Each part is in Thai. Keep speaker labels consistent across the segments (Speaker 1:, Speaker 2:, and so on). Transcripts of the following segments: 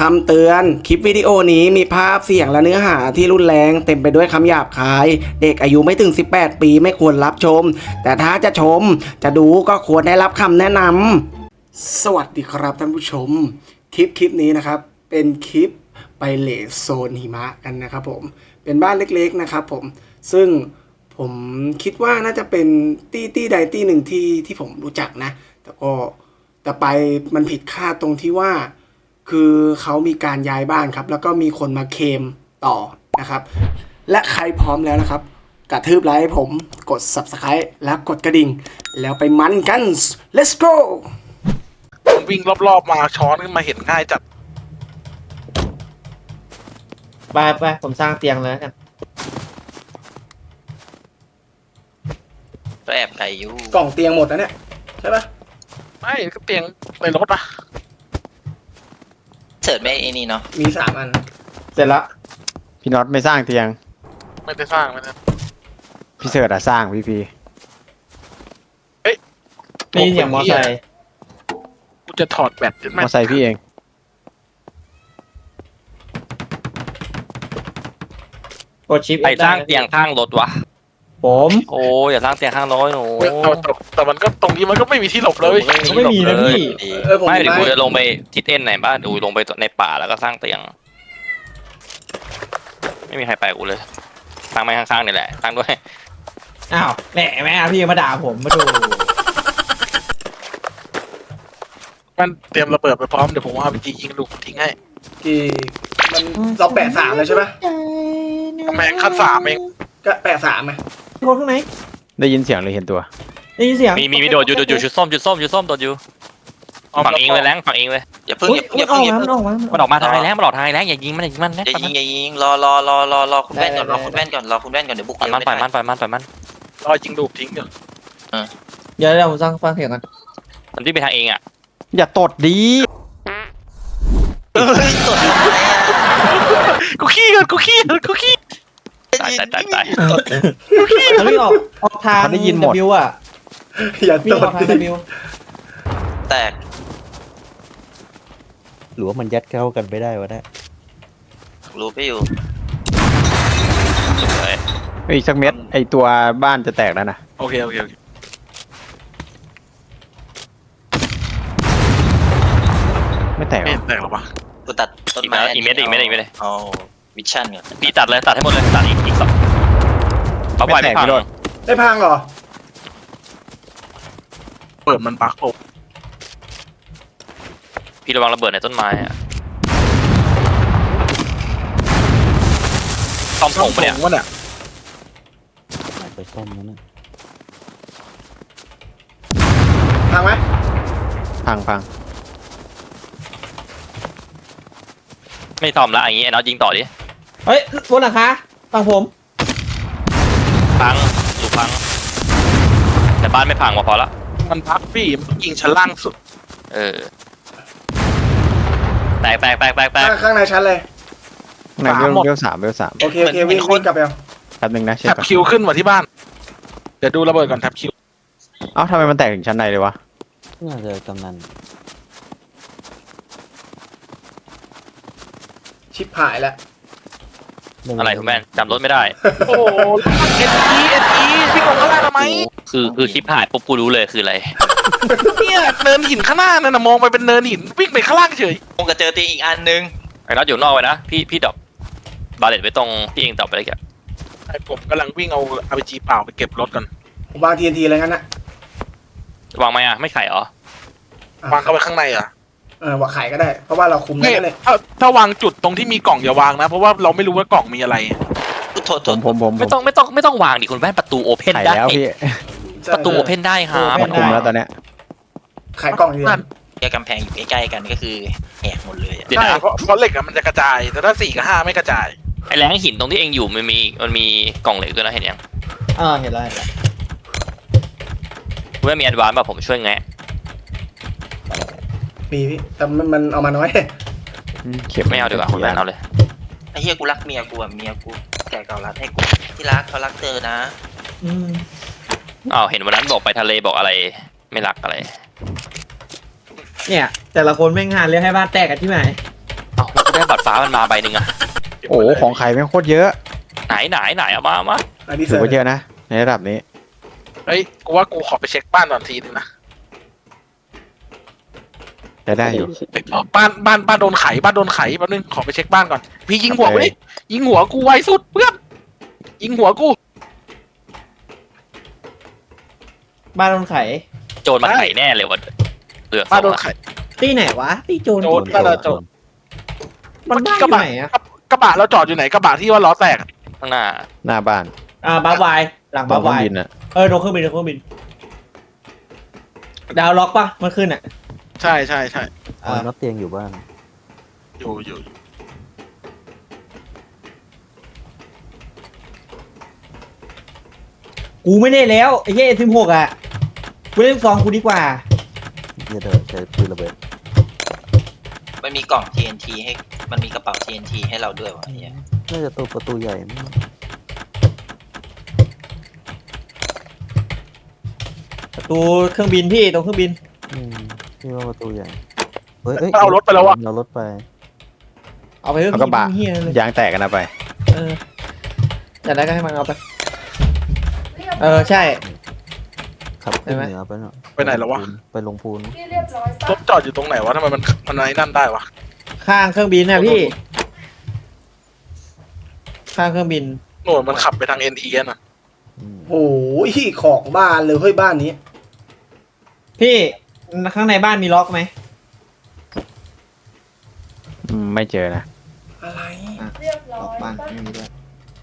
Speaker 1: ำเตือนคลิปวิดีโอนี้มีภาพเสียงและเนื้อหาที่รุนแรงเต็มไปด้วยคำหยาบคายเด็กอายุไม่ถึง18ปีไม่ควรรับชมแต่ถ้าจะชมจะดูก็ควรได้รับคำแนะนำสวัสดีครับท่านผู้ชมคลิปนี้นะครับเป็นคลิปไปเลสโซนหิมะกันนะครับผมเป็นบ้านเล็กๆนะครับผมซึ่งผมคิดว่าน่าจะเป็นตี้ใดตี้หนึ่งที่ผมรู้จักนะแต่ไปมันผิดคาดตรงที่ว่าคือเขามีการย้ายบ้านครับแล้วก็มีคนมาเคลมต่อนะครับและใครพร้อมแล้วนะครับกระทืบไลค์ให้ผมกด Subscribe แล้วกดกระดิ่งแล้วไปมันกัน let's go
Speaker 2: ผมวิ่งรอบๆมาช้อนขึ้นมาเห็นง่ายจัด
Speaker 3: ไปผมสร้างเตียงเลยกัน
Speaker 4: ก็แอบไก่อยู่
Speaker 1: กล่องเตียงหมดแล้วเนี่ยใช่ปะ
Speaker 2: ไม่ก็เตียงในรถอะ
Speaker 4: เสิร์ชไม่ไอ้นี่เนาะ
Speaker 1: มี3 อัน
Speaker 3: เสร็จแล้ว
Speaker 5: พี่น็อตไม่สร้างเตียง
Speaker 2: ไม่ได้สร้างไม่ได้
Speaker 5: พี่เสิร์ตอะสร้างพี่
Speaker 3: นี่เสียงมอไซค์
Speaker 2: กูจะถอดแบต
Speaker 5: มอไซค์พี่เอง
Speaker 3: กดชิป
Speaker 6: ใครสร้างเตียงข้างรถวะ
Speaker 3: ผม
Speaker 6: โอ้อย่าสร้างเตียงข้างรถหนู
Speaker 2: แต่มันก็ตรงนี้มันก็ไม่มีที่หลบเลย
Speaker 3: ไม่มีนะพี่
Speaker 1: ผม
Speaker 6: ไม่
Speaker 1: มี
Speaker 6: เดี๋ยวกู
Speaker 1: ไม้
Speaker 6: จะลงไปทิศเอ็นไหนบ้างดูลงไปในป่าแล้วก็สร้างเตียง ไม่มีใครไปกูเลยสร้างไม่ข้างๆนี่แหละสร้างด้วย
Speaker 3: อ้าวแหมพี่มาด่าผมมาดู
Speaker 2: มันเตรียมระเบิดไปพร้อมเดี๋ยวผมเอาไปยิงลูกทิ้งให้
Speaker 1: กี่มันเราแปะ3เลยใช่ปะ
Speaker 2: กำแพงขั้น3เอง
Speaker 1: ก็แปะ3ไหม
Speaker 3: คนข้างไหน
Speaker 5: ได้ยินเสียงหรือเห็นตัว
Speaker 3: ได้ยินเสียง
Speaker 6: มีโดดอยู่ชุดส้มโดดอยู่ฝั่งเองเลยแรงฝั่งเองเลย
Speaker 4: อย่าเพิ่ง
Speaker 3: อุ๊ย
Speaker 4: อย่า
Speaker 3: มัน
Speaker 4: เพิ่
Speaker 3: อง อก
Speaker 4: อย่า
Speaker 3: มา
Speaker 4: เพิ่ง
Speaker 3: มันออกมา
Speaker 6: มันออกมาทางไหนแรงมันหลอกทางไหนแรงอย่ายิงมันนะ
Speaker 4: อย่ายิงรอคุณแว่นก่อนรอคุณแว่นก่อนรอคุณแว่นก่อนเดี๋ยวบุก
Speaker 6: ปล่อยมันปล่อยมัน
Speaker 2: รอยิงลูกทิ้งเดี๋ยว
Speaker 3: เดี๋ยวผมสร้างฟังเสียงกัน
Speaker 6: มันที่ไปทางเองอ่ะ
Speaker 5: อย่าตดดี
Speaker 4: เฮ้ยสดทำไมอ่ะ
Speaker 2: กูขี้ก่อนกูขี้
Speaker 6: ตาย
Speaker 3: แล้วพี่ออกทาง W อ่ะ
Speaker 1: อย่า
Speaker 3: พี่
Speaker 1: ต
Speaker 3: อ
Speaker 1: ด
Speaker 3: อกทาง
Speaker 1: ดิ
Speaker 3: W
Speaker 4: แตก
Speaker 7: หรือว่ามันยัดเข้ากันไม่ได้วะเนี่ย
Speaker 4: รู้ไปอยู่
Speaker 5: อีกสักเม็ดไอตัวบ้านจะแตกแล้วนะ
Speaker 2: โอเค
Speaker 5: ไม่แตกหร
Speaker 2: ไม่
Speaker 5: อ
Speaker 2: แตกหรอวะ
Speaker 4: กูตัดต้นไม้
Speaker 6: อีกเม็ดเลย
Speaker 4: เอาวิชั่นก่อน
Speaker 6: พี่ตัดเลยตัดให้หมดเลยตัดอีกสองเขาปล่อยไม่พัง
Speaker 1: ได้พังเหรอ
Speaker 2: เปิดมันปักโอ้
Speaker 6: พี่ระวังระเบิดในต้นไม้อะซ่อมผงปะเนี่ย
Speaker 2: วะเนี่ย
Speaker 7: เอาไปซ่อมแล้วนะ
Speaker 1: พังไหม
Speaker 5: พัง
Speaker 6: ไม่ซ่อมละอย่างงี้ไอ้น็อตยิงต่อดิ
Speaker 3: เฮ้ยบนหลังคาฝั่งผม
Speaker 6: พังอยู่พังแต่บ้านไม่พังพอละ
Speaker 2: มันพักพี่มันยิงชั้นล่างสุด
Speaker 6: เออแตก
Speaker 1: ข้างในชั้นเลย
Speaker 5: ไหนเวล3
Speaker 1: โอเควิ่งกลับไปเอา
Speaker 5: แป๊บนึงนะเช็ค
Speaker 2: แท็บ
Speaker 5: ก่อน
Speaker 2: คิวขึ้นมาที่บ้าน เดี๋ยวดูระเบิดก่อนแท็บคิว
Speaker 5: เอ้าทำไมมันแตกถึงชั้นในเลยวะ
Speaker 7: น่าจะกำนัน
Speaker 1: ชิปหายแล้ว
Speaker 6: อะไรคุณแม่จำรถไม่ได้
Speaker 2: โอ้เอ็นอีพี่ลงข้างล่างทำไม
Speaker 6: คือคลิปหายปุ๊บกูรู้เลยคืออะไร
Speaker 2: เนี่ยเนินหินข้างหน้านั่นนะมองไปเป็นเนินหินวิ่งไปข้างล่างเฉย
Speaker 4: คงจะเจอตีอีกอันนึง
Speaker 6: ไอ้น็อตอยู่นอกไว้นะพี่ดรอปบาเลตไว้ตรงที่เองดรอปไปเลยแก
Speaker 2: ไอ้ผมกำลังวิ่งเอา RPG เปล่าไปเก็บรถก่อน
Speaker 1: ผมวาง TNT อะไรงั้นนะ
Speaker 6: วางไหมอะไม่ไข่เหรอ
Speaker 2: วางเข้าไปข้างในอ่ะ
Speaker 1: ว่าขายก็ได้ เพราะว่าเราคุมได้
Speaker 2: ไม่
Speaker 1: เลย
Speaker 2: ถ้าวางจุดตรงที่มีกล่องอย่าวางนะ เพราะว่าเราไม่รู้ว่ากล่องมีอะไร
Speaker 4: โทษ
Speaker 5: ผม
Speaker 6: ไม่ต้องวางดิคุณแม่ประตูโอเพน
Speaker 5: ไข
Speaker 6: ได้
Speaker 5: แล้วพี่
Speaker 6: ประตูโอเพนได้ครับ
Speaker 5: มันคุมแล้วตอนเนี้ย
Speaker 1: ขายกล่องเดียว
Speaker 4: แกกำแพงอยู่ใกล้ๆกันก็คือแหกหมดเลยอะ
Speaker 6: เดี๋ยว
Speaker 2: ใช่
Speaker 6: นะ
Speaker 2: เพราะเหล็กอะมันจะกระจาย แต่ถ้า4 กับ 5ไม่กระจาย
Speaker 6: ไอ้แรงหินตรงที่เองอยู่มันมีกล่องเหล็กด้วยนะเห็นยัง
Speaker 3: เห็นแล้ว
Speaker 6: คุณแม่มีแอดวานซ์ป่ะผมช่วยแงะ
Speaker 1: มีพี่แต่มันเอามาน้อย
Speaker 5: เข็บ
Speaker 6: ไม่เอาดีกว่าคุณแม่เอาเลย
Speaker 4: ไอ้เฮียกูรักเมียกูอ่ะเมียกูแกเก่ารักให้กูที่รักเขารักเธอนะ
Speaker 6: อ้าวเห็นวันนั้นบอกไปทะเลบอกอะไรไม่รักอะไร
Speaker 3: เนี่ยแต่ละคนแม่งหาเรื่องให้บ้านแตกกันที่ไหน
Speaker 6: อ้าวฟ้ามันมาใบหนึ่งอะ
Speaker 5: โอ้โหของใครแม่งโคตรเยอะ
Speaker 6: ไหนเอามา
Speaker 1: อันนี้
Speaker 5: ถือว่าเยอะนะในระดับนี้
Speaker 2: เฮ้ยกูว่ากูขอไปเช็คบ้านก่อนทีนึงนะ
Speaker 5: จะได้อยู่
Speaker 2: บ้านโดนไขแป๊บนึงขอไปเช็คบ้านก่อนพี่ยิงหัวกูดิยิงหัวกูไวสุดเพื่อนยิงหัวกู
Speaker 3: บ้านโดนไข
Speaker 6: โจรมาไขแน่เลยวะเลือก
Speaker 2: บ้านโดนไข
Speaker 3: ตีไหนวะตีโจร
Speaker 2: โจรบ้านเราโจร
Speaker 3: มันบ้านอยู่ไหนอะ
Speaker 2: กระบะเราจอดอยู่ไหนกระบะที่ว่าล้อแตก
Speaker 6: ข้างหน้า
Speaker 5: หน้าบ้าน
Speaker 3: บ้าบายหลัง
Speaker 5: ตร
Speaker 3: บ้าง
Speaker 5: เครื่
Speaker 3: บา
Speaker 5: อย งบินอ่ะ
Speaker 3: โดนเครื่องบินดาวล็อกปะมันขึ้นอ่ะ
Speaker 2: ใช่
Speaker 7: น็อตเตียงอยู่บ้าน
Speaker 2: อยู่
Speaker 3: กูไม่ได้แล้วไอ้เหี้ย16อ่ะกูเล่นซองกูดีกว่า
Speaker 7: เหี้ยเดินใช้ปืนระเบิด
Speaker 4: มันมีกล่อง TNT ให้มันมีกระเป๋า TNT ให้เราด้วยวะไอ้เหี้ย
Speaker 7: น่าจะตัวประตูใหญ่มั้ง
Speaker 3: ประตูเครื่องบินพี่ตรงเครื่องบิน
Speaker 7: พี่ว่าประตูใหญ่เฮ้ย
Speaker 2: มันเอารถไปแล้ววะ
Speaker 7: เอารถไป
Speaker 3: เอาไปเถอะ
Speaker 5: เอากระบะ
Speaker 3: เฮียเลย
Speaker 5: ยางแตกกันนะไป
Speaker 3: อยากได้ก็ให้มันเอาไปใช่
Speaker 7: ขับขึ้นเหนือไปเนาะ
Speaker 2: ไปไหนแล้ววะ
Speaker 7: ไปลงพูน
Speaker 2: รถจอดอยู่ตรงไหนวะทำไมมันไอ้นั่นได้วะ
Speaker 3: ข้างเครื่องบินนะพี่ ข้างเครื่องบิน
Speaker 2: โน่นมันขับไปทาง NE น่ะ
Speaker 1: โอ้ยของบ้านเลยเฮ้ยบ้านนี้
Speaker 3: พี่ข้างในบ้านมีล็อกไหม
Speaker 5: ไม่เจอนะ
Speaker 1: อะไร
Speaker 3: ล็อกบ้านไม่มีด้วย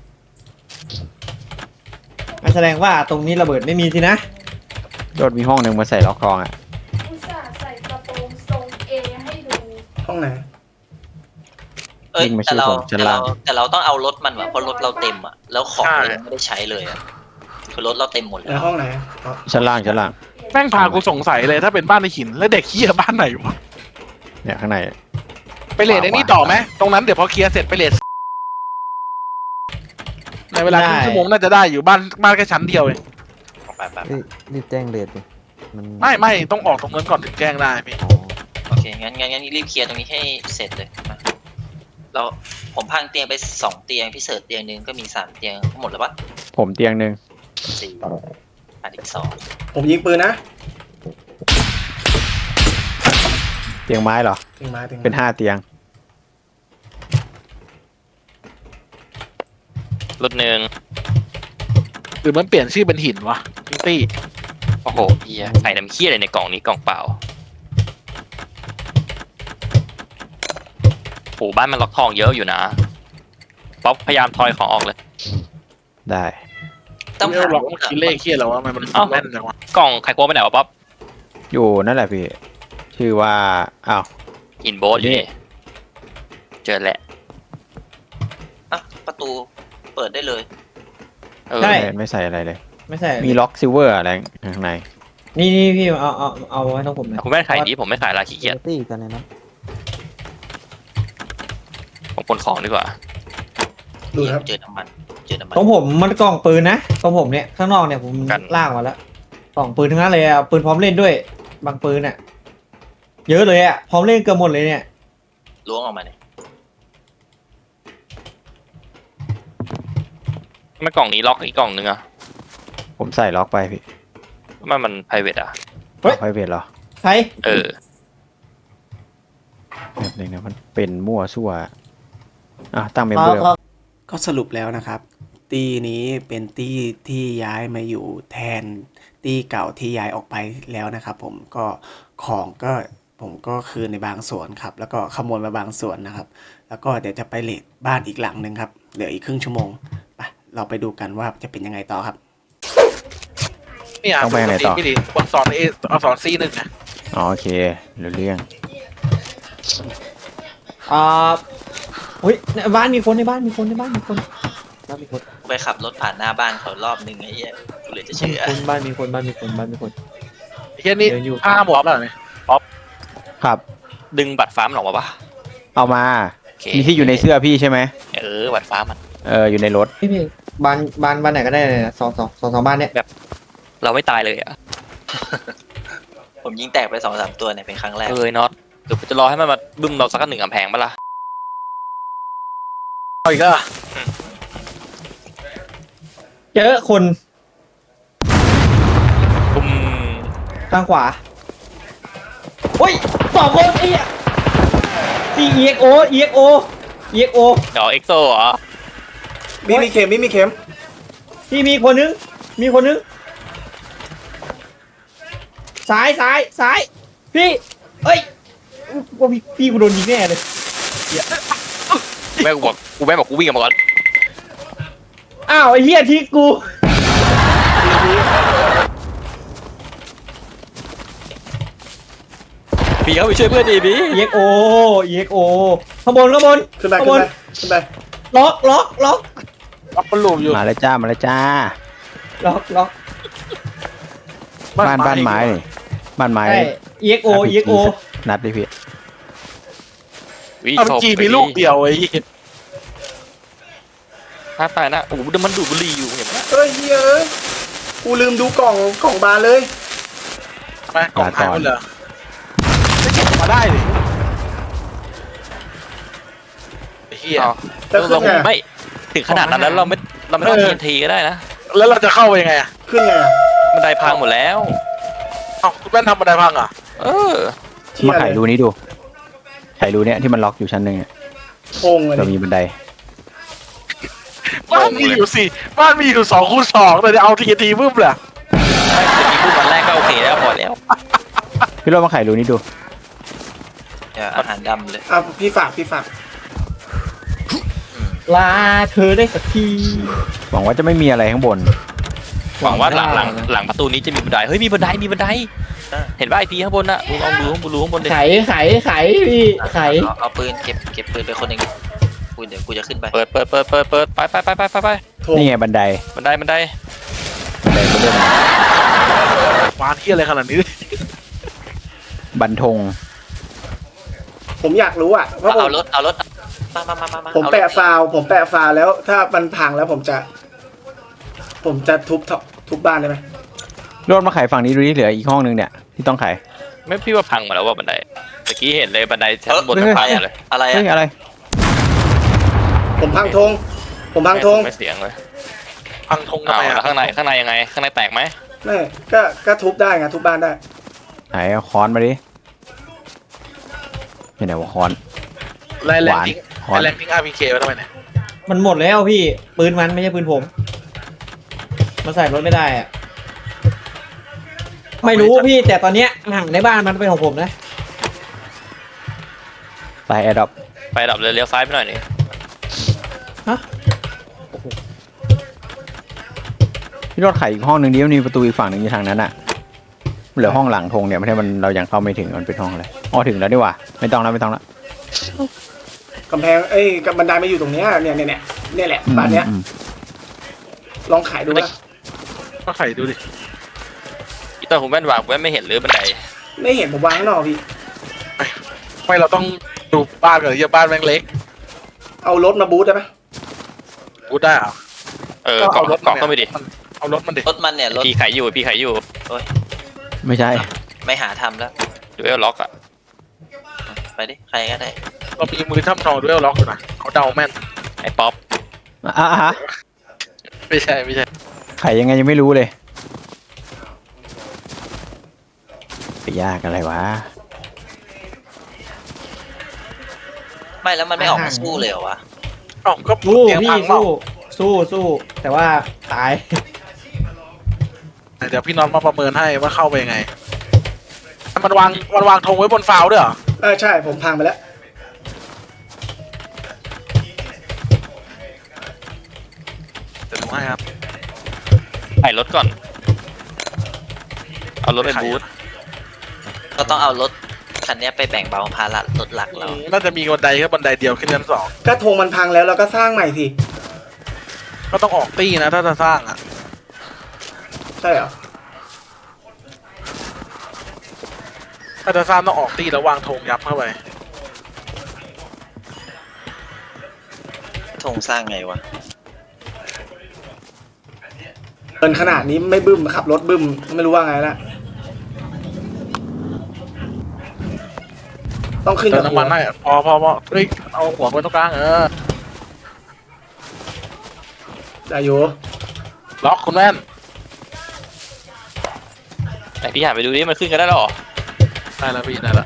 Speaker 3: แสดงว่าตรงนี้ระเบิดไม่มีสินะ
Speaker 5: โดดมีห้องหนึ่งมาใส่ล็อกคลองอ่ะ
Speaker 8: อุตส่าห์ใส่กระโปรงทรงเอให้ดู
Speaker 1: ห้องไหน
Speaker 4: เอ้ย
Speaker 5: วิ่งมา
Speaker 4: แต่เรา
Speaker 5: ช่วยผมชั้นล่าง
Speaker 4: แต่เราต้องเอารถมันว่ะเพราะรถเราเต็มอ่ะแล้วของเรายังไม่ได้ใช้เลยอ่ะคือรถเราเต็มหมด
Speaker 1: ใน
Speaker 4: แล้ว
Speaker 1: ห้องไหนอ๋อ
Speaker 5: ชั้นล่าง
Speaker 2: แม่งพากูสงสัยเลยถ้าเป็นบ้านในหินแล้วเด็กเหี้ยบ้านไหนวะ
Speaker 5: เนี่ยข้างใน
Speaker 2: ไปเลทไอ้นี่ต่อไหมตรงนั้นเดี๋ยวพอเคลียร์เสร็จไปเลทในเวลาครึ่งชั่วโมงน่าจะได้อยู่บ้านแค่ชั้นเดียวเอง
Speaker 4: ไป
Speaker 7: เฮ้ยรีบแจ้งเรทดิมัน
Speaker 2: ไม่ต้องออกตรงนั้นก่อนถึงแจ้งได้พี่
Speaker 7: อ๋อ
Speaker 4: โอเคงั้นรีบเคลียร์ตรงนี้ให้เสร็จเลยมาเราผมพังเตียงไป2เตียงพี่เสิร์ชเตียงนึงก็มี3เตียงหมดแล้วปะ
Speaker 5: ผมเตียงหนึ่ง
Speaker 4: 4ขาดอีก2
Speaker 1: ผมยิงปืนนะ
Speaker 5: เตียงไม้เหรอ
Speaker 1: ถึงมาถึง
Speaker 5: เป็น5เตียง
Speaker 6: รถหนึ่ง
Speaker 2: หรือมันเปลี่ยนชื่อเป็นหินวะพิงตี้
Speaker 6: โอ้โหเฮียใส่น้ำเคี้ยอะไรในกล่องนี้กล่องเปล่าโอ้บ้านมันล็อกทองเยอะอยู่นะป๊อปพยายามทอยของออกเลย
Speaker 5: ได้
Speaker 4: ต้อง
Speaker 2: ไม่เอาหรอกมันคิดเลขเคียแล้ววะมัน
Speaker 6: เอ้า
Speaker 2: แม่นจังวะ
Speaker 6: กล่องไข่โก้ไปไหนวะป๊อป
Speaker 5: อยู่นั่นแหละพี่ ชื่อว่าอ้าว
Speaker 6: หินโบ๊ทอยู่นี่เจอแหละ
Speaker 4: อ่ะประตูเปิดได้เลย
Speaker 6: เออ
Speaker 3: ใช่
Speaker 5: ไม่ใส่อะไรเลย
Speaker 3: ไม่ใช่
Speaker 5: มีล็อกซิลเวอร์อะไรข้างใน
Speaker 3: นี่พี่เอาไว้ตรงผมนะ
Speaker 6: คุณแม่ขายดีผมไม่ขายละขี้เกียจ
Speaker 7: ตี้กันเลยนะ
Speaker 6: ผมขนของดีกว่า
Speaker 1: ดูครับ
Speaker 4: เจอน้ำมัน
Speaker 3: ตรงผมมันกล่องปืนนะตรงผมเนี่ยข้างนอกเนี่ยผม
Speaker 6: กัน
Speaker 3: ล่างมาแล้วกล่องปืนทั้งนั้นเลยอ่ะปืนพร้อมเล่นด้วย บางปืนอ่ะ เยอะเลยอ่ะพร้อมเล่นเกือบหมดเลยเนี่ย
Speaker 4: ล้วงออกมาเนี่ย
Speaker 6: ทำไมกล่องนี้ล็อกอีกกล่องนึงอะ
Speaker 5: ผมใส่ล็อกไปพี่
Speaker 6: ทำไมมัน private อะ
Speaker 5: ไพรเวทเหรอ
Speaker 3: ใคร
Speaker 6: เออ
Speaker 5: แบบนึงนะมันเป็นมั่วซั่วตั้งเมมเบอร์
Speaker 1: ก็สรุปแล้วนะครับ ตีนี้เป็นตีที่ย้ายมาอยู่แทนตีเก่าที่ย้ายออกไปแล้วนะครับ ผมก็ของก็ผมก็คืนในบางส่วนครับ แล้วก็ขโมยมาบางส่วนนะครับ แล้วก็เดี๋ยวจะไปเลทบ้านอีกหลังหนึ่งครับเหลืออีกครึ่งชั่วโมงไปเราไปดูกันว่าจะเป็นยังไงต่อครับ
Speaker 2: เนี่ย
Speaker 5: ต้องไปไหนต่อ
Speaker 2: พี่ดิคนสอนสอนซีหนึ่งนะ
Speaker 5: อ๋อโอเครู้เรื่อง
Speaker 3: อุ้ยในบ้านมีคนในบ้านมีคนบ้านมีคน
Speaker 4: ไปขับรถผ่านหน้าบ้านเขารอบนึงไอ้เหี้ยกูเลยจะเชื่อ
Speaker 3: บ้านมีคนบ้านมีคน
Speaker 2: ไอ้เหี้ยนี่
Speaker 3: เดินอยู่
Speaker 2: ผ้าหมวกแล้วเนี่ย
Speaker 5: ครับ
Speaker 6: ดึงบัตรฟ้ามันออกมาปะ
Speaker 5: เอามา
Speaker 6: โอเค
Speaker 5: มีที่อยู่ในเสื้อพี่ใช่ไหม
Speaker 6: บัตรฟ้ามัน
Speaker 5: อยู่ในรถ
Speaker 3: พี่บ้านไหนก็ได้เลยนะสองบ้านเนี่ย
Speaker 6: เราไม่ตายเลยอะ
Speaker 4: ผมยิงแตกไป2-3ตัวเนี่ยเป็นครั้งแรก
Speaker 6: น็อตเดี๋ยวกูจะรอให้มันมาบึ้มเราสัก1 กำแพงปะล่ะ
Speaker 2: เอาอีกแล้วเหรอ
Speaker 3: เจอคน
Speaker 6: ตุ้ม
Speaker 3: ทางขวาโอ้ย2 คนไอ้เหี้ยEXO EXO
Speaker 6: เดี๋ยวเอ็กโซเหรอ
Speaker 1: มีเข็มมีเข็ม
Speaker 3: พี่มีคนนึงซ้ายพี่เอ้ยว่าพี่กูโดนยิงแน่เลย
Speaker 6: แม่บอกกูวิ่งกันมาก่อน
Speaker 3: อ้าวไอ้เหี้ยที่กู
Speaker 6: พี่เขาไปช่วยเพื่อนดีบี
Speaker 3: EXO ข้างบน
Speaker 1: ขึ้นไป
Speaker 3: ข้างบน
Speaker 1: ขึ้นไป
Speaker 3: ล็อก
Speaker 2: ล็อกมันหลุมอยู่
Speaker 5: มาแล้วจ้า
Speaker 3: ล็อก
Speaker 5: บ้านไม้นี่บ้านไม้
Speaker 3: ใช่ EXO
Speaker 5: นัดดิพี่
Speaker 6: วิ
Speaker 2: เอาไปจีมีลูกเดียวไอ้เหี้ย
Speaker 6: ถ้าตายนะโอ้โหมันดูดบุหรี่อยู่เห็นไหม
Speaker 1: เฮ้ยเฮ้ยกูลืมดูกล่องบานเลย
Speaker 2: ไปกล่องหายไปเหรอไม่เก็บมาได้ดิไอ้เหี้ย
Speaker 1: จะขึ้
Speaker 6: เรา
Speaker 1: นไง
Speaker 6: ไม่ถึงขนาดนั้นแล้วเราไม่ต้องทีนทีก็ได้นะ
Speaker 2: แล้วเราจะเข้าไปยังไงอ่ะ
Speaker 1: ขึ้นไงอะ
Speaker 6: บันไดพังหมดแล้ว
Speaker 2: เอ้าคุณแม่นทำบันไดพังเหรอ่ะ
Speaker 6: เออ
Speaker 1: เชี่ย
Speaker 5: มาไข
Speaker 1: เลย
Speaker 5: รูนี้ดูไขรูเนี้ยที่มันล็อกอยู่ชั้นหนึ่งอะ
Speaker 1: โค้งเลย
Speaker 5: เรามีบันได
Speaker 2: บ้านมีอยู่2 คูณ 2เลยเอาทีบึ้มเลย
Speaker 6: ไม่จะมีพูดวันแรกก็โอเคแล้วพอแล้ว
Speaker 5: พี่โรจน์มาไขรูนี้ดู
Speaker 4: อย่าอาหารดำเลย
Speaker 1: อ่ะพี่ฝาก
Speaker 3: ลาเธอได้สักที
Speaker 5: หวังว่าจะไม่มีอะไรข้างบน
Speaker 6: หวังว่าหลังประตูนี้จะมีบันไดเฮ้ยมีบันไดเห็นว่าไอทีข้างบนน่ะมึงลองดูข้างบนดิ
Speaker 3: ไขพี่ไข
Speaker 4: เอาปืนเก็บปืนไปคนหนึ่งเดี๋ยวกูจะขึ้นไป
Speaker 6: เปิดไป
Speaker 1: โค้ง
Speaker 5: นี่ไงบันได
Speaker 6: บันได
Speaker 5: บันไดก็เริ่ม
Speaker 2: วานเหี้ยอะไรขนาดนี้
Speaker 5: บันทง
Speaker 1: ผมอยากรู้อ่ะเพราะ
Speaker 4: เอารถมา
Speaker 1: ผมแปะฟาวแล้ว ถ้ามันพังแล้วผมจะทุบบ้านได้ไหม
Speaker 5: โรจน์มาไขฝั่งนี้ดูนี่เหลืออีกห้องนึงเนี่ยที่ต้องไข
Speaker 6: ไม่พี่ว่าพังหมดแล้วว่าบันไดเมื่อกี้เห็นเลยบันไดชั้นบน
Speaker 5: เฮ้ย
Speaker 6: พังหมดเลย
Speaker 4: อะไร
Speaker 5: เฮ้ย
Speaker 4: อ่ะ
Speaker 5: อะไร
Speaker 1: ผมพังธง
Speaker 6: ไม่เสียงเลย
Speaker 2: พังธงทำ
Speaker 6: อ้าว
Speaker 2: ไม
Speaker 6: แล้ว
Speaker 2: อ่ะ
Speaker 6: ข้างในยังไงข้างในแตกไหม
Speaker 1: ไม่ก็ทุบได้ไงทุบบ้านได้
Speaker 5: ไหนเอาค้อนมาดิไม่ไหนว่าค้อน
Speaker 2: แรง
Speaker 5: หวาน
Speaker 2: ทิ้ง
Speaker 5: ค้อน
Speaker 2: แรงทิ้ง RPK ไว้ทำไมเนี่ย
Speaker 3: มันหมดแล้วพี่ปืนมันไม่ใช่ปืนผมมันใส่รถไม่ได้อะไม่รู้พี่แต่ตอนเนี้ยห่างในบ้านมันเป็นของผมนะ
Speaker 5: ไปแอร์ดรอป
Speaker 6: ไปดับเลยเลี้ยวซ้ายไปหน่อยนี่
Speaker 5: พี่โรจน์ไขอีกห้องนึงดิมันมีประตูอีกฝั่งหนึ่งอยู่ทางนั้นอะเหลือห้องหลังธงเนี่ยไม่ใช่มันเรายังเข้าไม่ถึงมันเป็นห้องอะไรอ๋อถึงแล้วดีกว่าไม่ต้องแล้ว
Speaker 1: กำแพงกับบันไดมาอยู่ตรงเนี้ยเนี่ยแหละบ้านเนี้ย
Speaker 5: อืม
Speaker 1: ลองขายดูนะ
Speaker 2: ก็ไข่ดูดิ
Speaker 6: อีตอนผมแว่นวางผมไม่เห็นหรือบันได
Speaker 1: ไม่เห็นผมวางข้างนอกพี่
Speaker 2: ไม่เราต้องดูบ้านก่อนอย่าบ้านแม่งเล็ก
Speaker 1: เอารถมาบูทได้ไหม
Speaker 2: กูได้เหรอ
Speaker 6: เกาะเข้าไปดิ
Speaker 2: เอารถมันดิ
Speaker 4: รถมันเนี่ยรถ
Speaker 6: พี่ไขอยู่
Speaker 5: ไม่ใช่
Speaker 4: ไม่หาทำแล้ว
Speaker 6: ดูเอลล็อกอ่ะ
Speaker 4: ไปดิใครก็ได้
Speaker 2: เรามีมือท่ำทองด้วยล็อกอยู่นะเขาเดาแม่น
Speaker 6: ไอ้ป๊อป
Speaker 5: ฮะ
Speaker 2: ไม่ใช่
Speaker 5: ไขยังไงยังไม่รู้เลยไปยากอะไรวะ
Speaker 4: ไม่แล้วมันไม่ออกมาสู้เลยเหรอวะ
Speaker 2: อ๋อก็
Speaker 3: สู้
Speaker 2: เตียง
Speaker 3: พี่
Speaker 2: พังเปล่า
Speaker 3: สู้แต่ว่าตาย
Speaker 2: เดี๋ยวพี่นอนมาประเมินให้ว่าเข้าไปยังไง มันวางธงไว้บนฟาวด้วยเหรอ
Speaker 1: ใช่ผมพังไปแล้ว
Speaker 2: เดี๋ยวดูให้ครับ
Speaker 6: ไขรถก่อน เอารถไปบูธ
Speaker 4: ก็ต้องเอารถคันนี้ไปแบ่งเบาภาระรถหลักเรา
Speaker 2: น่าจะมีบันไดแค่บันไดเดียวขึ้นชั้น 2
Speaker 1: ก็ธงมันพังแล้วเราก็สร้างใหม่สิ
Speaker 2: ก็ต้องออกตี้นะถ้าจะสร้างอ่ะ
Speaker 1: ใช่เหรอ
Speaker 2: ถ้าจะสร้างต้องออกตี้แล้ววางธงยับเข้าไป
Speaker 4: ธงสร้างไงวะ
Speaker 1: เกินขนาดนี้ไม่บึ้มขับรถบึ้มไม่รู้ว่าไงละต้องขึ้น
Speaker 2: เติ
Speaker 1: กั
Speaker 2: ม
Speaker 1: บ
Speaker 2: น้ำมันได้อะพอเฮ้ยเอาหัวไว้ตรงกลาง
Speaker 1: ได้อยู่
Speaker 2: ล็อกคุณแม่น
Speaker 6: ไหนพี่หันไปดูดิมันขึ้นกันได้แล้วเหรอ
Speaker 2: ได้แล้วพี่ได้แล้ว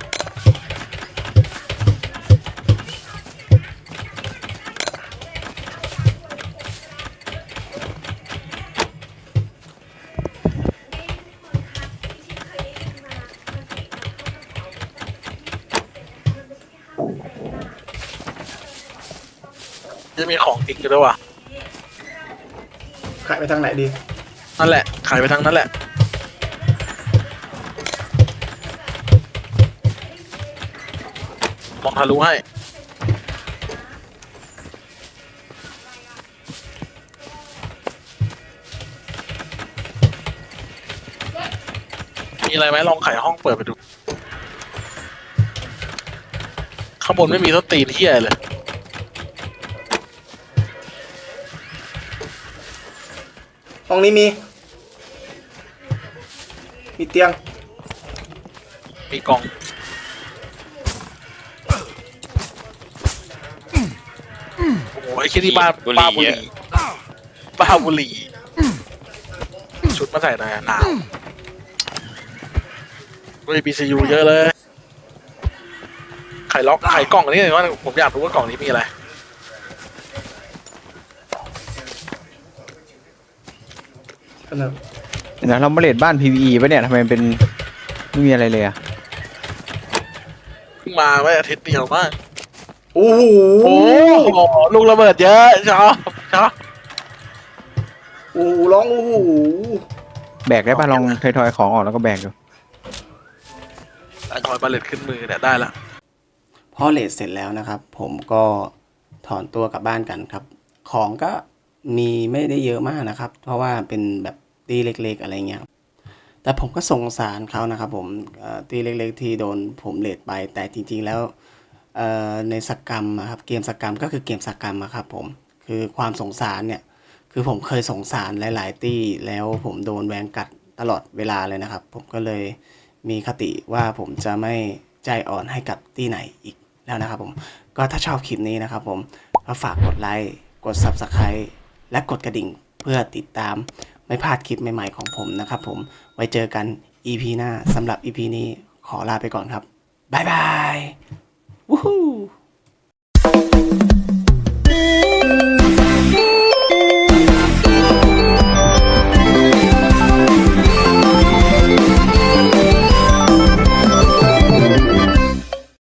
Speaker 2: จะมีของทิ้งอยู่ด้วยว่ะ
Speaker 1: ขายไปทางไหนดี
Speaker 2: นั่นแหละขายไปทางนั้นแหละมองทะลุให้มีอะไรไหมลองไขห้องเปิดไปดูข้างบนไม่มีต้นตีนเที่ยเลย
Speaker 1: ห้องนี้มีเตียง
Speaker 2: มีกล่องโอ้ยคิดที่บ้านบ้าบุหรี่บ้าบุหรี่ชุดมาใส่หน่อยอะหนาวด้วย BCU เยอะเลยไขล็อกไขกล่องอันนี้หน่อยว่าผมอยากรู้ว่ากล่องนี้มีอะไร
Speaker 1: กันเถอะ
Speaker 5: เดี๋ยวนะเรามาเลดบ้าน PVE ปะเนี่ยทำไมมันเป็นไม่มีอะไรเลยอะ
Speaker 2: เพิ่งมาไม่อาทิตย์เดียวมาก
Speaker 1: โอ้โห
Speaker 2: โอ้โหลูกระเบิดเยอะชอบชอบ
Speaker 1: โอ้โหร้องโอ้โห
Speaker 5: แบกได้ปะลองทอยๆของออกแล้วก็แบกดู
Speaker 2: ถอยบาเลตขึ้นมือเนี่ยได้ละ
Speaker 1: พอเลทเสร็จแล้วนะครับ ผมก็ถอนตัวกลับบ้านกันครับ ของก็มีไม่ได้เยอะมากนะครับ เพราะว่าเป็นแบบตีเล็กๆอะไรเงี้ยครับแต่ผมก็สงสารเขานะครับผมตีเล็กๆที่โดนผมเลทไป แต่จริงๆแล้วในสกรรมอะครับเกมสกรรมก็คือเกมสกรรมอะครับผมคือความสงสารเนี่ยคือผมเคยสงสารหลายๆตี้แล้วผมโดนแวงกัดตลอดเวลาเลยนะครับ ผมก็เลยมีคติว่าผมจะไม่ใจอ่อนให้กับตี้ไหนอีกแล้วนะครับผมก็ถ้าชอบคลิปนี้นะครับผมก็ฝากกดไลค์กด Subscribe และกดกระดิ่งเพื่อติดตามไม่พลาดคลิปใหม่ๆของผมนะครับผมไว้เจอกัน EP หน้าสำหรับ EP นี้ขอลาไปก่อนครับบ๊ายบายวู้ฮู้